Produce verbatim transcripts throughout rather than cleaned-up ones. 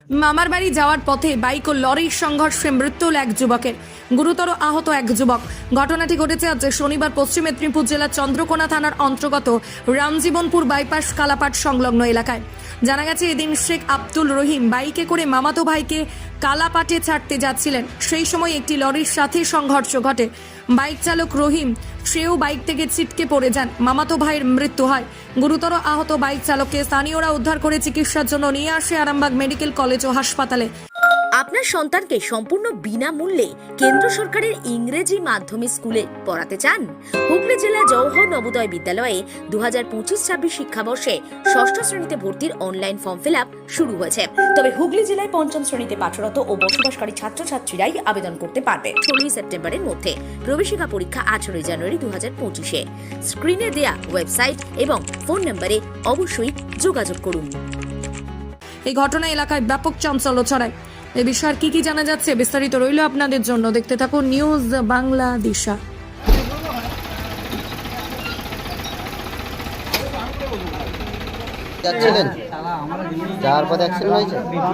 মামার বাড়ি যাওয়ার পথে বাইক ও লরির সংঘর্ষে মৃত্যু হল এক যুবকের, গুরুতর আহত এক যুবক। ঘটনাটি ঘটেছে আজ শনিবার পশ্চিম মেদিনীপুর জেলার চন্দ্রকোনা থানার অন্তর্গত রামজীবনপুর বাইপাস কালাপাট সংলগ্ন এলাকায়। জানা গেছে, এদিন শেখ আব্দুল রহিম বাইকে করে মামাতো ভাইকে কালাপাটে ছাড়তে যাচ্ছিলেন। সেই সময় একটি লরির সাথে সংঘর্ষ ঘটে। বাইক চালক রহিম সেও বাইক থেকে ছিটকে পড়ে যান। মামাতো ভাইয়ের মৃত্যু হয়। গুরুতর আহত বাইক চালককে স্থানীয়রা উদ্ধার করে চিকিৎসার জন্য নিয়ে আসে আরামবাগ মেডিকেল কলেজ ও হাসপাতালে। আপনার সন্তানকে সম্পূর্ণ বিনামূল্যে কেন্দ্র সরকারের ইংরেজি মাধ্যমে স্কুলে পড়াতে চান? হুগলি জেলা জওহর নবোদয় বিদ্যালয়ে দু হাজার পঁচিশ ছাব্বিশ শিক্ষাবর্ষে ষষ্ঠ শ্রেণীতে ভর্তির অনলাইন ফর্ম ফিল আপ শুরু হয়েছে। তবে হুগলি জেলায় পঞ্চম শ্রেণীতে পাঠরত ও বসবাসকারী ছাত্রছাত্রীরাই আবেদন করতে পারবে ষোলোই সেপ্টেম্বরের মধ্যে। প্রবেশিকা পরীক্ষা আঠারোই জানুয়ারি দু হাজার পঁচিশে। স্ক্রিনে দেয়া ওয়েবসাইট এবং ফোন নম্বরে অবশ্যই যোগাযোগ করুন। এই ঘটনা এলাকায় ব্যাপক চাঞ্চল্য ছড়ায়। এ বিষয়ে কি কি জানা যাচ্ছে বিস্তারিত রইল আপনাদের জন্য, দেখতে থাকুন নিউজ বাংলা দিশা। যাচ্ছিলেন যাওয়ার পথে অ্যাক্সিডেন্ট হয়েছে।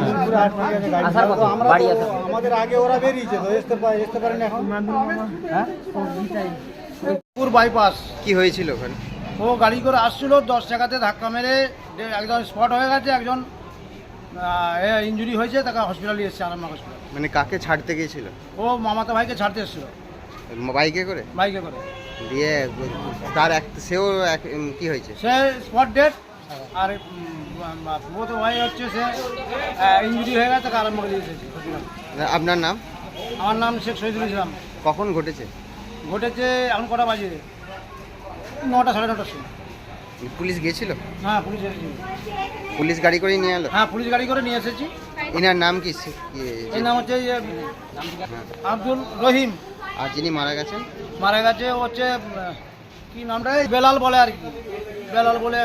আমাদের আগে ওরা বেরিয়েছে তো আসতে পারে আসতে পারেন এখন। হ্যাঁ পুর বাইপাস কি হয়েছিল ওখানে? ও গাড়ি করে আসছিল, দশ টাকাতে ধাক্কা মেরে একজন স্পট হয়ে গেছে, একজন ইনজুরি হয়েছে, তাকে হসপিটালে এসেছে আরামবাগ হসপিটাল। মানে কাকে ছাড়তে গিয়েছিল? ও মামাতো ভাইকে ছাড়তে এসেছিল বাইকে করে। বাইকে করে দিয়ে তার এক সেও এক- কি হয়েছে? সে স্পট ডেট, আর মামাতো ভাই হচ্ছে সে ইনজুরি হয়ে গেছে, তাকে আরামবাগ দিয়ে এসেছে হসপিটাল। আপনার নাম? আমার নাম শেখ শহীদুল ইসলাম। কখন ঘটেছে? ঘটেছে এখন কটা বাজে? নটা সাড়ে নটার সময়। পুলিশ গিয়েছিল? হ্যাঁ পুলিশ এসেছে। পুলিশ গাড়ি করে নিয়ে এলো? হ্যাঁ পুলিশ গাড়ি করে নিয়ে এসেছি। এনার নাম কি? সে- কি- এর নাম হচ্ছে ইয়ে, আব্দুল রহিম। আর যিনি মারা গেছেন? মারা গেছে ও হচ্ছে উম, কি নামটা বেলাল বলে আর কি, বেলাল বলে।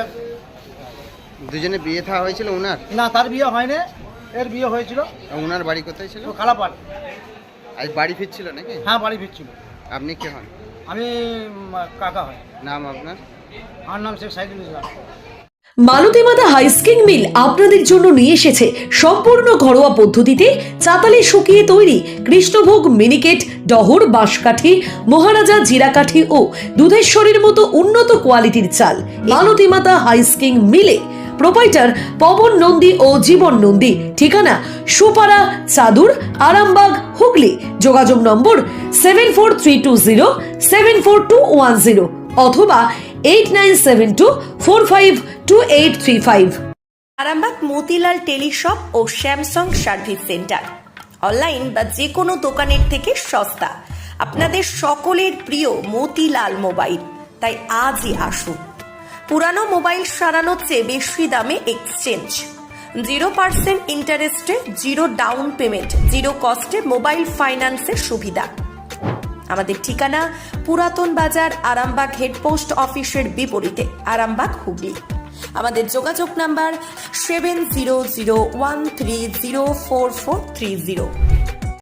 দুজনে বিয়ে থাওয়া হয়েছিল ওনার? না, তার বিয়ে হয়নি, এর বিয়ে হয়েছিল। আর ওনার বাড়ি কোথায় ছিল? তো কালাপাট। আজ বাড়ি ফিরছিল নাকি? হ্যাঁ বাড়ি ফিরছিল। আপনি কে হন? আমি উম, কাকা হয়। নাম আপনার? আমার নাম শেখ সাইদুল ইসলাম। মালতীমাতা হাইস্কিং মিল আপনাদের জন্য নিয়ে এসেছে সম্পূর্ণ ঘরোয়া পদ্ধতিতে চাতালে শুকিয়ে তৈরি কৃষ্ণভোগ মিনিকেট, ডহর, বাঁশকাঠি, মহারাজা জিরাকাঠি ও দুধেশ্বরীর মতো উন্নত কোয়ালিটির চাল। মালতীমাতা হাইস্কিং মিলে প্রোপাইটার পবন নন্দী ও জীবন নন্দী। ঠিকানা সুপারা চাদুর, আরামবাগ, হুগলি। যোগাযোগ নম্বর seven four three two zero seven four two one zero অথবা eight nine seven two four five two eight three five. Arambagh Motilal teleshop ও স্যামসাং সার্ভিস সেন্টার অনলাইন বা যে কোনো দোকানের থেকে সস্তা। আপনাদের সকলের প্রিয় মতিলাল মোবাইল, তাই আজই আসুন। পুরানো মোবাইল সারানোর চেয়ে বেশি দামে এক্সচেঞ্জ, জিরো পার্সেন্ট ইন্টারেস্টে জিরো ডাউন পেমেন্ট, জিরো কস্টে মোবাইল ফাইন্যান্সের সুবিধা। আমাদের ঠিকানা পুরাতন বাজার, আরামবাগ হেডপোস্ট অফিসের বিপরীতে, আরামবাগ, হুগলি। আমাদের যোগাযোগ number seven zero zero one three zero four four three zero.